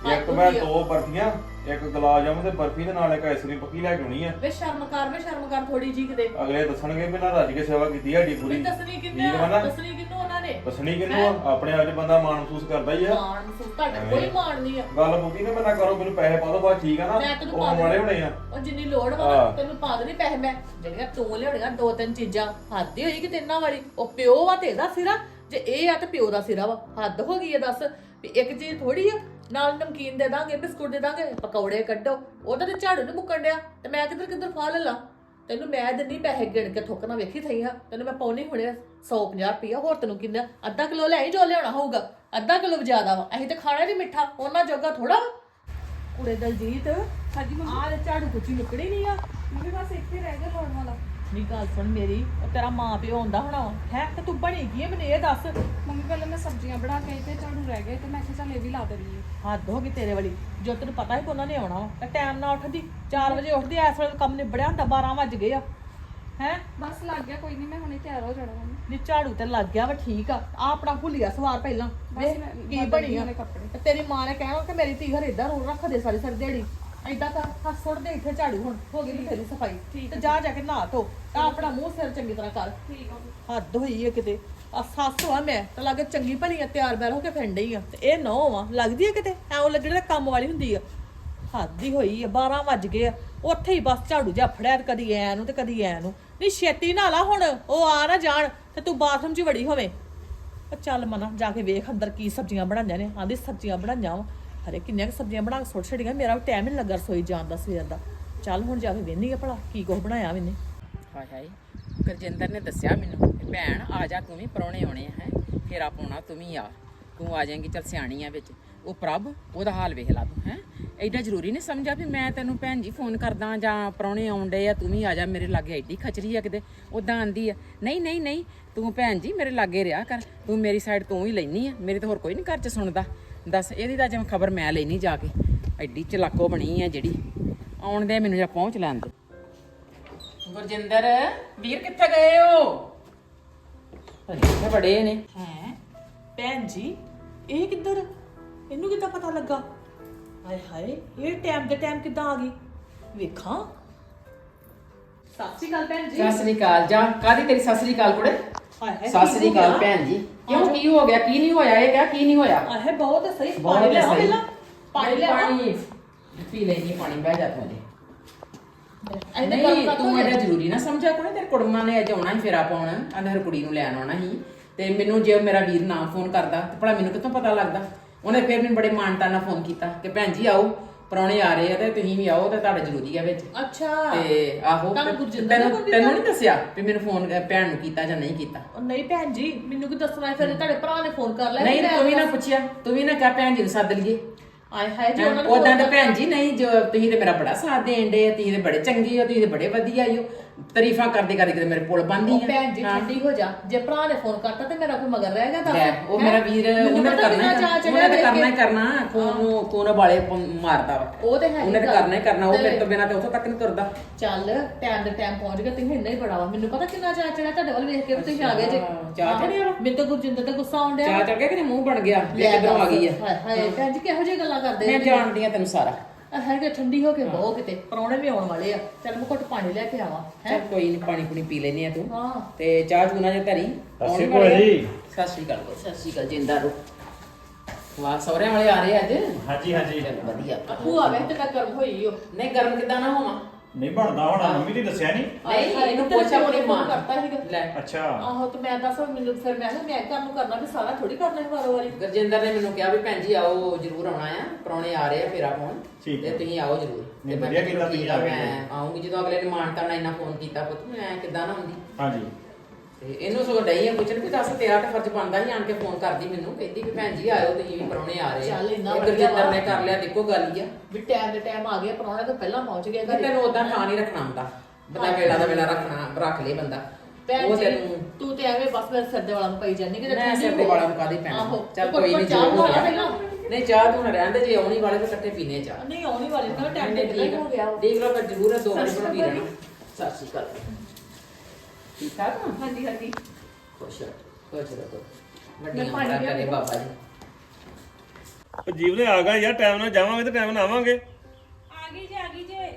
C: ਇੱਕ ਮੈਂ ਦੋ ਬਰਫੀਆਂ ਇੱਕ ਗੁਲਾਬ ਜਾਮੁਨ ਤੇ ਬਰਫੀ ਦੇ ਨਾਲ ਇੱਕ ਆਈਸਕ੍ਰੀਮ ਪੱਕੀ ਲੈ ਕੇ ਆਉਣੀ ਆ।
A: ਵੇ ਸ਼ਰਮ ਕਰ ਵੇ ਸ਼ਰਮ ਕਰ ਥੋੜੀ ਜੀ ਕਿਤੇ।
C: ਅਗਲੇ ਦੱਸਣਗੇ ਵੀ ਨਾ ਰੱਜ ਕੇ ਸੇਵਾ ਕੀਤੀ ਸਾਡੀ ਪੂਰੀ।
A: ਵੀ ਦੱਸਣੀ ਕਿੰਨੇ
C: ਠੀਕ ਵਾ ਨਾ?
A: ਦੱਸਣੀ ਕਿੰਨੂੰ ਉਹਨਾਂ ਨੇ?
C: ਦੱਸਣੀ ਕਿਹਨੂੰ ਆ? ਆਪਣੇ ਆਪ 'ਚ ਬੰਦਾ ਮਾਣ ਮਹਿਸੂਸ ਕਰਦਾ ਹੀ ਆ।
A: ਮਾਣ ਮਹਿਸੂਸ ਤੁਹਾਡਾ ਕੋਈ ਮਾਣ ਨਹੀਂ ਆ।
C: ਗੱਲ ਮੁੱਕੀ ਨੇ ਬੰਦਾ ਕਰੋ ਮੈਨੂੰ ਪੈਸੇ ਪਾ ਦੋ ਬਸ ਠੀਕ ਆ ਨਾ।
A: ਮੈਂ ਤੈਨੂੰ
C: ਉਹ
A: ਪਾ
C: ਮਾੜੇ ਹੋਣੇ ਆ।
A: ਉਹ ਜਿੰਨੀ ਲੋੜ ਵਾ ਨਾ, ਤੈਨੂੰ ਪਾ ਦੇਣੀ ਪੈਸੇ ਮੈਂ। ਜਿਹੜੀਆਂ ਤੂੰ ਲਿਆਉਣੀਆਂ ਦੋ ਤਿੰਨ ਚੀਜ਼ਾਂ ਹੱਦ ਹੀ ਹੋਈ ਕਿ ਤਿੰਨਾਂ ਵਾਲੀ। ਉਹ ਪਿਓ ਵਾ ਤੇ ਇਹਦਾ ਸਿਰਾ, ਜੇ ਇਹ ਆ ਤੇ ਪਿਓ ਦਾ ਸਿਰਾ ਵਾ। ਹੱਦ ਹੋ ਗਈ ਹੈ ਦੱਸ ਵੀ ਇੱਕ ਚੀਜ਼ ਥੋੜੀ ਆ। ਨਾਲ ਨਮਕੀਨ ਦੇ ਦਾਂਗੇ, ਬਿਸਕੁਟ ਦੇ ਦਾਂਗੇ, ਪਕੌੜੇ ਕੱਢੋ। ਉਹਦਾ ਤੇ ਝਾੜੂ ਨੀ ਮੁੱਕਣ ਡਿਆ ਤੇ ਮੈਂ ਕਿੱਧਰ ਕਿੱਧਰ ਫਾ ਲੈ ਲਾ। ਤੈਨੂੰ ਮੈਂ ਦਿੰਨੀ ਪੈਸੇ ਗਿਣ ਕੇ ਥੁੱਕਣਾ ਵੇਖੀ ਥਈ ਆ। ਤੈਨੂੰ ਮੈਂ ਪਾਉਣੀ ਹੁਣੇ ਸੌ ਪੰਜਾਹ ਰੁਪਈਆ। ਹੋਰ ਤੈਨੂੰ ਕਿੰਨਾ ਅੱਧਾ ਕਿਲੋ ਲੈ ਆਈ ਜੋ ਲਿਆਉਣਾ ਹੋਊਗਾ। ਅੱਧਾ ਕਿਲੋ ਜ਼ਿਆਦਾ ਵਾ। ਅਸੀਂ ਤੇ ਖਾਣਾ ਨਹੀਂ ਮਿੱਠਾ, ਉਹਨਾਂ ਜੋਗਾ ਥੋੜਾ ਵਾ। ਕੁੜੇ ਦਲਜੀਤ
D: ਹਾਂਜੀ ਮੰਮੀ।
A: ਆਹ ਝਾੜੂ ਕੁਚੀ ਨਿਕੜੀ ਨਹੀਂ ਆ।
D: ਮੰਮੀ ਬਸ ਇੱਥੇ ਰਹਿ ਗਿਆ ਲਾਉਣ ਵਾਲਾ।
A: ਨੀ ਗੱਲ ਸੁਣ ਮੇਰੀ, ਉਹ ਤੇਰਾ ਮਾਂ ਪਿਓ ਆਉਂਦਾ ਹੋਣਾ ਹੈ ਤੇ ਤੂੰ ਬਣੀ ਕੀ ਹੈ ਮੈਨੂੰ ਇਹ ਦੱਸ।
D: ਮੰਮੀ ਪਹਿਲਾਂ ਮੈਂ ਸਬਜ਼ੀਆਂ ਬਣਾ ਕੇ ਤੇ ਝਾੜੂ ਰਹਿ ਗਏ ਤੇ ਮੈਂ ਕਿਹਾ ਚੱਲ ਇਹ ਵੀ ਲਾ ਦਿੰਦੀ ਹਾਂ।
A: ਹੱਦ ਹੋ ਗਈ ਤੇਰੇ ਵਾਲੀ। ਜੋ ਤੈਨੂੰ ਪਤਾ ਹੈ ਕਿ ਉਹਨਾਂ ਨੇ ਆਉਣਾ ਵਾ ਤੇ ਟਾਈਮ ਨਾਲ ਉੱਠਦੀ। ਚਾਰ ਵਜੇ ਉੱਠਦੀ, ਇਸ ਵੇਲੇ ਕੰਮ ਨਿਬੜਿਆ ਹੁੰਦਾ, ਬਾਰਾਂ ਵੱਜ ਗਏ ਆ। ਹੈ
D: ਬਸ ਲੱਗ ਗਿਆ, ਕੋਈ ਨਹੀਂ ਮੈਂ ਹੁਣੇ ਤਿਆਰ ਹੋ ਜਾਣਾ ਮੰਮੀ।
A: ਨੀ ਝਾੜੂ ਤੇ ਲੱਗ ਗਿਆ ਵਾ, ਠੀਕ ਆ। ਆ ਆਪਣਾ ਭੁੱਲਿਆ ਸਵਾਰ ਪਹਿਲਾਂ ਵੇਖ
D: ਮੈਂ
A: ਕੀ
D: ਬਦਲ
A: ਬਣੀ
D: ਗਈ
A: ਆ।
D: ਉਹਨੇ ਕੱਪੜੇ।
A: ਤੇ ਤੇਰੀ ਮਾਂ ਨੇ ਕਹਿਣਾ ਕਿ ਮੇਰੀ ਧੀ ਘਰ ਏਦਾਂ ਰੋਲ ਰੱਖ ਦੇ ਸਾਰੀ ਸਾਰੀ ਦਿਹਾੜੀ। ਏਦਾਂ ਕਰ ਹੱਥ ਸੁੱਟ ਦੇ ਇੱਥੇ ਝਾੜੂ। ਹੁਣ ਹੋ ਗਈ ਤੇਰੀ ਸਫਾਈ ਤੇ ਜਾ ਜਾ ਕੇ ਨਹਾ ਧੋ ਤਾਂ ਆਪਣਾ ਮੂੰਹ ਸਿਰ ਚੰਗੀ ਤਰ੍ਹਾਂ ਕਰ।
D: ਠੀਕ ਆ।
A: ਹੱਦ ਹੋਈ ਹੈ ਕਿਤੇ। ਆ ਸੱਸ ਆ ਮੈਂ ਤਾਂ ਲੱਗੇ ਚੰਗੀ ਭਲੀ ਆ, ਤਿਆਰ ਬੈਰ ਹੋ ਕੇ ਫਿਰਨ ਡਈ ਆ ਤੇ ਇਹ ਨੌ ਆ ਲੱਗਦੀ ਆ ਕਿਤੇ ਐਉਂ ਲੱਗਣਾ ਕੰਮ ਵਾਲੀ ਹੁੰਦੀ ਆ। ਹੱਦ ਹੀ ਹੋਈ ਆ। ਬਾਰਾਂ ਵੱਜ ਗਏ ਆ, ਉੱਥੇ ਹੀ ਬਸ ਝਾੜੂ ਜਿਹਾ ਫੜਿਆ ਤੇ ਕਦੀ ਐ ਨੂੰ ਤੇ ਕਦੀ ਐ ਨੂੰ। ਨਹੀਂ ਛੇਤੀ ਨਾ ਲਾ ਹੁਣ, ਉਹ ਆ ਨਾ ਜਾਣ ਤੇ ਤੂੰ ਬਾਥਰੂਮ 'ਚ ਹੀ ਵੜੀ ਹੋਵੇਂ। ਉਹ ਚੱਲ ਮਨਾ ਜਾ ਕੇ ਵੇਖ ਅੰਦਰ ਕੀ ਸਬਜ਼ੀਆਂ ਬਣਾਈਆਂ ਨੇ। ਆਂਦੀ ਸਬਜ਼ੀਆਂ ਬਣਾਈਆਂ ਵਾ। ਹਰੇ ਕਿੰਨੀਆਂ ਕੁ ਸਬਜ਼ੀਆਂ ਬਣਾ ਕੇ ਸੁੱਟ ਛੱਡੀਆਂ। ਮੇਰਾ ਵੀ ਟਾਈਮ ਹੀ ਨੀ ਲੱਗਾ ਰਸੋਈ ਜਾਣ ਦਾ ਸਵੇਰ ਦਾ। ਚੱਲ ਹੁਣ ਜਾ ਕੇ ਵੇਖਨੀ ਆ ਭਲਾ ਕੀ ਕੁਛ ਬਣਾਇਆ ਮੈਨੇ।
E: ਹਾਏ ਹਾਏ ਗੁਰਜਿੰਦਰ ਨੇ ਦੱਸਿਆ ਮੈਨੂੰ ਕਿ ਭੈਣ ਆ ਜਾ ਤੂੰ ਵੀ ਪ੍ਰਾਹੁਣੇ ਆਉਣੇ ਆ ਹੈ ਫੇਰਾ ਪਾਉਣਾ ਤੂੰ ਵੀ ਆ ਤੂੰ ਆ ਜਾਏਂਗੀ ਚੱਲ ਸਿਆਣੀ ਆ ਵਿੱਚ ਉਹ ਪ੍ਰਭ ਉਹਦਾ ਹਾਲ ਵੇਖ ਲਾ ਤੂੰ ਹੈ ਐਡਾ ਜ਼ਰੂਰੀ ਨਹੀਂ ਸਮਝਿਆ ਵੀ ਮੈਂ ਤੈਨੂੰ ਭੈਣ ਜੀ ਫੋਨ ਕਰਦਾ ਜਾਂ ਪ੍ਰਾਹੁਣੇ ਆਉਂਦੇ ਆ ਤੂੰ ਵੀ ਆ ਜਾ ਮੇਰੇ ਲਾਗੇ। ਐਡੀ ਖਚਰੀ ਆ ਕਿਤੇ ਉਦਾਂ ਆਂਦੀ ਆ ਨਹੀਂ ਨਹੀਂ ਨਹੀਂ ਤੂੰ ਭੈਣ ਜੀ ਮੇਰੇ ਲਾਗੇ ਰਿਹਾ ਕਰ, ਤੂੰ ਮੇਰੀ ਸਾਈਡ ਤੂੰ ਹੀ ਲੈਣੀ ਆ, ਮੇਰੇ ਤਾਂ ਹੋਰ ਕੋਈ ਨਹੀਂ ਘਰ 'ਚ ਸੁਣਦਾ। ਦੱਸ ਇਹਦੀ ਤਾਂ ਜਿਵੇਂ ਖਬਰ ਮੈਂ ਲੈਣੀ ਜਾ ਕੇ। ਐਡੀ ਚਲਾਕੋ ਬਣੀ ਆ ਜਿਹੜੀ। ਆਉਣ ਦੇ ਮੈਨੂੰ ਜਾਂ ਪਹੁੰਚ ਲੈਣ ਦੇ। ਗੁਰਜਿੰਦਰ ਵੀਰ ਕਿੱਥੇ ਗਏ ਹੋ? ਇੱਥੇ ਬੜੇ ਨੇ।
A: ਹੈ ਭੈਣ ਜੀ ਇਹ ਕਿੱਧਰ? ਇਹਨੂੰ ਕਿੱਦਾਂ ਪਤਾ ਲੱਗਾ? ਹਾਏ ਹਾਏ ਇਹ ਟਾਈਮ ਦੇ ਟਾਈਮ ਕਿੱਦਾਂ ਆ ਗਈ? ਵੇਖਾਂ। ਸਤਿ ਸ਼੍ਰੀ ਅਕਾਲ ਭੈਣ ਜੀ।
E: ਸਤਿ ਸ੍ਰੀ ਅਕਾਲ। ਜਾ ਕਾਦੀ ਤੇਰੀ ਸਤਿ ਸ੍ਰੀ ਅਕਾਲ ਕੁੜੇ?
A: ਹਾਏ ਹਾਏ
E: ਸਤਿ ਸ੍ਰੀ ਅਕਾਲ ਭੈਣ ਜੀ। ਕਿਉਂ ਕੀ ਹੋ ਗਿਆ? ਕੀ ਨਹੀਂ ਹੋਇਆ? ਇਹ ਕਿਹਾ ਕੀ ਨਹੀਂ ਹੋਇਆ?
A: ਆਹੇ ਬਹੁਤ ਸਹੀ।
E: ਬਹੁਤ
A: ਪਾਣੀ ਲਿਆ
E: ਸਹੀ।
A: ਪਹਿਲਾਂ ਪਾਣੀ ਲਿਆ।
E: ਪਾਣੀ ਪੀ ਲੈਣੀ ਪਾਣੀ ਬਹਿ ਜਾ ਤੂੰ ਜੀ।
A: ਇਹਨੇ
E: ਨਹੀਂ
A: ਗੱਲ
E: ਤੂੰ ਇਹਦਾ ਜ਼ਰੂਰੀ ਨਾ ਸਮਝਿਆ ਕੋਨੇ ਤੇਰੇ ਕੁੜਮਾਂ ਨੇ ਅੱਜ ਆਉਣਾ ਸੀ ਫੇਰਾ ਪਾਉਣ ਆਂਦਾ ਹਰ ਕੁੜੀ ਨੂੰ ਲੈਣ ਆਉਣਾ ਸੀ ਤੇ ਮੈਨੂੰ ਜੇ ਮੇਰਾ ਵੀਰ ਨਾ ਫੋਨ ਕਰਦਾ ਤੇ ਭਲਾ ਮੈਨੂੰ ਕਿੱਥੋਂ ਪਤਾ ਲੱਗਦਾ। ਉਹਨੇ ਫਿਰ ਮੈਨੂੰ ਬੜੇ ਮਾਨਤਾ ਨਾਲ ਫੋਨ ਕੀਤਾ ਕਿ ਭੈਣ ਜੀ ਆਓ ਪ੍ਰਾਹੁਣੇ ਆ ਰਹੇ ਆ ਤੇ ਤੁਸੀਂ ਵੀ ਆਓ ਤੇ ਤੁਹਾਡਾ ਜ਼ਰੂਰੀ ਆ ਵਿੱਚ।
A: ਅੱਛਾ
E: ਤੇ ਆਹੋ
A: ਤੁਹਾਨੂੰ ਗੁਰਜਿੰਦਰ ਨੇ
E: ਤੈਨੂੰ
A: ਫੋਨ ਕੀਤਾ?
E: ਤੈਨੂੰ ਨਹੀਂ ਦੱਸਿਆ ਵੀ ਮੈਨੂੰ ਫੋਨ ਭੈਣ ਨੂੰ ਕੀਤਾ ਜਾਂ ਨਹੀਂ ਕੀਤਾ?
A: ਉਹ ਨਹੀਂ ਭੈਣ ਜੀ ਮੈਨੂੰ ਕੀ ਦੱਸਣਾ? ਫਿਰ ਤੁਹਾਡੇ ਭਰਾ ਨੇ ਫੋਨ ਕਰ ਲਿਆ।
E: ਨਹੀਂ ਤੂੰ ਵੀ ਨਾ ਪੁੱਛਿਆ, ਤੂੰ ਵੀ ਨਾ ਕਿਹਾ ਭੈਣ ਜੀ ਨੂੰ ਸੱਦ ਲਈਏ।
A: ਆਏ ਹਾਏ ਜੀ ਉਹਨਾਂ ਨੂੰ
E: ਉਦਾਂ
A: phone
E: ਤੇ
A: ਕਰ-
E: ਭੈਣ ਜੀ ਨਹੀਂ ਜੋ ਤੁਸੀਂ ਤੇ ਮੇਰਾ ਬੜਾ ਸਾਥ ਦੇਣ ਦੇ ਤੁਸੀਂ ਤੇ ਬੜੇ ਚੰਗੇ ਹੋ, ਤੁਸੀਂ ਤੇ ਬੜੇ ਵਧੀਆ ਹੋ। ਤਾਰੀਫਾਂ ਕਰਦੇ ਕਰਦੇ ਕਿਤੇ ਮੇਰੇ ਪੁੱਲ ਬੰਦੀ
A: ਉਹ
E: ਆ।
A: ਭੈਣ ਜੀ ਠੰਡੀ ਹੋ ਜਾ। ਜੇ ਭਰਾ ਨੇ ਫੋਨ ਕਰਤਾ ਤੇ ਮੇਰਾ ਕੋਈ ਮਗਰ ਰਹਿ ਗਿਆ ਦੱਸ।
E: ਲੈ, ਉਹ ਮੇਰਾ ਵੀਰ ਉਹਨੇ ਤਾਂ ਕਰਨਾ ਹੀ ਕਰਨਾ, ਉਹਨੇ ਤਾਂ ਕਰਨਾ ਹੀ ਕਰਨਾ। ਕੋਨ ਕੋਨ ਵਾਲੇ ਮਾਰਦਾ ਵਾ।
A: ਉਹ ਤੇ ਹੈ
E: ਉਹਨੇ ਤਾਂ ਕਰਨਾ ਹੀ ਕਰਨਾ। ਉਹ ਮੇਰੇ ਤੋਂ ਬਿਨਾਂ ਤੇ ਉੱਥੋਂ ਤੱਕ ਨਹੀਂ ਤੁਰਦਾ।
A: ਚੱਲ ਟਾਈਮ ਦੇ ਟਾਈਮ ਪਹੁੰਚ ਗਏ ਤੁਸੀਂ। ਇੰਨਾ ਹੀ ਬੜਾ ਵਾ। ਮੈਨੂੰ ਪਤਾ ਕਿੰਨਾ ਚਾਅ ਚੜਿਆ ਤੁਹਾਡੇ ਵੱਲ ਵੇਖ ਕੇ ਵੀ ਤੁਸੀਂ ਆ ਗਏ ਜੇ।
E: ਚਾਅ ਚੜਿਆ ਵਾ?
A: ਮੈਨੂੰ ਤਾਂ ਗੁਰਜਿੰਦਰ ਤੇ ਗੁੱਸਾ ਆਉਣ ਡਿਆ।
E: ਚਾਹ ਚੜ ਗਿਆ ਕਿ ਮੂੰਹ ਬਣ ਗਿਆ ਲੈ ਕਿਧਰੋਂ ਆ ਗਈ ਆ।
A: ਹਾਏ ਹਾਏ ਭੈਣ ਜੀ ਕਿਹੋ ਜਿਹੀ ਗੱਲਾਂ ਕਰਦੇ
E: ਮੈਂ
A: ਹੋ?
E: ਜਾਣਦੀ ਆ ਤੈਨੂੰ ਸਾਰਾ।
A: ਹੈਗੇ ਠੰਡੀ ਹੋ ਕੇ ਬਹੁ ਕਿਤੇ ਪ੍ਰਾਹੁਣੇ ਵੀ ਆਉਣ ਵਾਲੇ ਆ। ਚੱਲ ਮੈਂ ਘੁੱਟ ਪਾਣੀ ਲੈ ਕੇ ਆਵਾਂ
E: ਚੱਲ ਕੋਈ ਨਹੀਂ ਪਾਣੀ ਪੂਣੀ ਪੀ ਲੈਨੇ ਆ ਤੂੰ।
A: ਹਾਂ
E: ਤੇ ਚਾਹ ਚੂਨਾ ਜੇ ਧਰੀ।
C: ਸਤਿ ਸ਼੍ਰੀ ਅਕਾਲ ਜੀ।
E: ਸਤਿ ਸ਼੍ਰੀ ਅਕਾਲ ਸਤਿ ਸ਼੍ਰੀ ਅਕਾਲ ਜਿੰਦਾ ਰੋ। ਵਾਹ ਸਹੁਰਿਆਂ ਵਾਲੇ ਆ ਰਹੇ ਅੱਜ।
C: ਹਾਂਜੀ ਹਾਂਜੀ।
E: ਚੱਲ ਵਧੀਆ।
A: ਭੂਆ ਵੇ ਤੇ ਮੈਂ ਗਰਮ ਹੋਈ ਓ।
E: ਨਹੀਂ ਗਰਮ ਕਿਦਾਂ ਨਾ ਹੋਵਾਂ?
C: ਨਹੀਂ ਬਣਦਾ ਹੋਣਾ, ਮੰਮੀ ਨੇ ਦੱਸਿਆ ਨਹੀਂ।
E: ਨਹੀਂ ਇਹਨੂੰ ਪੁੱਛ ਆਪਣੀ ਮਾਂ
A: ਕਰਤਾ ਸੀਗਾ।
E: ਲੈ
C: ਅੱਛਾ
A: ਆਹੋ ਤੇ ਮੈਂ ਦੱਸ ਮੈਨੂੰ ਫਿਰ ਮੈਂ ਕਿਹਾ ਮੈਂ ਕੰਮ ਕਰਨਾ ਵੀ ਸਾਰਾ ਥੋੜੀ ਕਰਨਾ ਹੈ ਵਾਰੋ ਵਾਰੀ।
E: ਗੁਰਜਿੰਦਰ ਨੇ ਮੈਨੂੰ ਕਿਹਾ ਵੀ ਭੈਣ ਜੀ ਆਓ ਜਰੂਰ ਆਉਣਾ ਆ, ਪ੍ਰਾਹੁਣੇ ਆ ਰਹੇ ਆ ਫੇਰਾ ਪਾਉਣ
C: ਠੀਕ
E: ਤੇ
C: ਹੈ।
E: ਤੁਸੀਂ ਆਓ ਜਰੂਰ।
C: ਨਹੀਂ,
E: ਤੇ ਮੈਂ
C: ਵਧੀਆ
E: ਕਿਹਾ
C: ਕੀਤਾ ਤੁਸੀਂ ਆ ਗਏ
E: ਮੈਂ ਆਉਂਗੀ। ਜਦੋਂ ਅਗਲੇ ਨੇ ਮਾਨਤਾ ਨਾਲ ਇੰਨਾ ਫੋਨ ਕੀਤਾ ਪੁੱਤ ਮੈਂ ਕਿੱਦਾਂ ਨਾ ਹੁੰਦੀ।
C: ਹਾਂਜੀ
E: ਤੇ ਇਹਨੂੰ ਸਗੋਂ ਡਈ ਆ ਪੁੱਛਣ ਵੀ ਦੱਸ ਤੇਰਾ ਤਾਂ ਫਰਜ਼ ਬਣਦਾ ਸੀ ਆਣ ਕੇ ਫੋਨ ਕਰਦੀ ਮੈਨੂੰ ਕਹਿੰਦੀ ਵੀ ਭੈਣ ਜੀ ਆਇਓ ਤੁਸੀਂ ਵੀ ਪ੍ਰਾਹੁਣੇ ਆ ਰਹੇ ਆ।
A: ਚੱਲ ਇੰਨਾ
E: ਇਹ
A: ਵਧੀਆ
E: ਗੁਰਜਿੰਦਰ
A: ਵਾ।
E: ਨੇ ਕਰ ਲਿਆ ਦੇਖੋ ਗੱਲ ਹੀ ਆ।
A: ਵੀ ਟਾਈਮ ਦੇ ਟਾਈਮ ਆ ਗਿਆ ਪ੍ਰਾਹੁਣੇ ਤੋਂ ਪਹਿਲਾਂ ਪਹੁੰਚ ਗਿਆ
E: ਮੈਂ
A: ਘਰੇ।
E: ਤੈਨੂੰ ਉਦਾਂ ਥਾਂ ਨਹੀਂ ਰੱਖਣਾ ਹੁੰਦਾ ਬੰਦਾ ਵੇਲਾ ਦਾ ਵੇਲਾ ਰੱਖਣਾ ਰੱਖ ਲੇ ਬੰਦਾ।
A: ਭੈਣ
E: ਉਹ
A: ਜੀ
E: ਤੈਨੂੰ
A: ਤੂੰ ਤੇ ਐਵੇਂ ਬਸ ਮੇਰੇ ਸਿਰ ਦੇ ਵਾਲਾਂ ਨੂੰ ਪਈ ਜਾਂਦੀ ਕਿ
E: ਮੈਂ ਸਿਰ ਦੇ ਵਾਲਾਂ ਨੂੰ ਕਾਹਦੀ ਪੈਣਾ।
A: ਆਹੋ
E: ਚੱਲ ਕੋਈ ਨਹੀਂ
A: ਚਾਹ
E: ਜੋ ਹੋ
A: ਬਣਾ
E: ਗਿਆ।
A: ਪਹਿਲਾਂ।
E: ਨਹੀਂ ਚਾਹ ਤੂੰ ਨਾ ਰਹਿਣ ਦੇ, ਜੇ ਆਉਣੀ ਵਾਲੇ ਤਾਂ ਇਕੱਠੇ ਪੀਨੇ ਚਾਹ।
A: ਨਹੀਂ ਆਉਣੀ ਵਾਲੀ ਤਾਂ ਟਾਈਮ
E: ਨਹੀਂ
A: ਤੇ
E: ਠੀਕ
A: ਹੋ ਗਿਆ ਵਾ।
E: ਦੇਖ ਲਓ ਫਿਰ ਜ਼ਰੂਰ ਦੋ ਵਾਰੀ
A: ਸਤਿ ਸ਼੍ਰੀ
E: ਬਣਾਉਂਦੀ
A: ਅਕਾਲ
E: ਰਹਿਣਾ। ਸਤਿ ਸ਼੍ਰੀ ਅਕਾਲ। ਠੀਕ ਠਾਕ ਨਾ?
A: ਹਾਂਜੀ ਹਾਂਜੀ
E: ਖੁਸ਼ ਰਹੋ ਖੁਸ਼ ਰਹੋ।
A: ਮੈਂ
E: ਵੱਡੀਆਂ
A: ਪਾਣੀ
E: ਉਮਰਾਂ
A: ਲਿਆ
E: ਕਰੇ
A: ਕੇ
E: ਬਾਬਾ ਜੀ।
F: ਉਹ ਜੀਵਨੇ ਆ ਗਿਆ ਯਾਰ, ਟਾਈਮ ਨਾਲ ਜਾਵਾਂਗੇ ਤੇ ਟਾਈਮ ਨਾਲ ਆਵਾਂਗੇ।
D: ਆ ਗਈ ਜੇ ਆ ਗਈ ਜੇ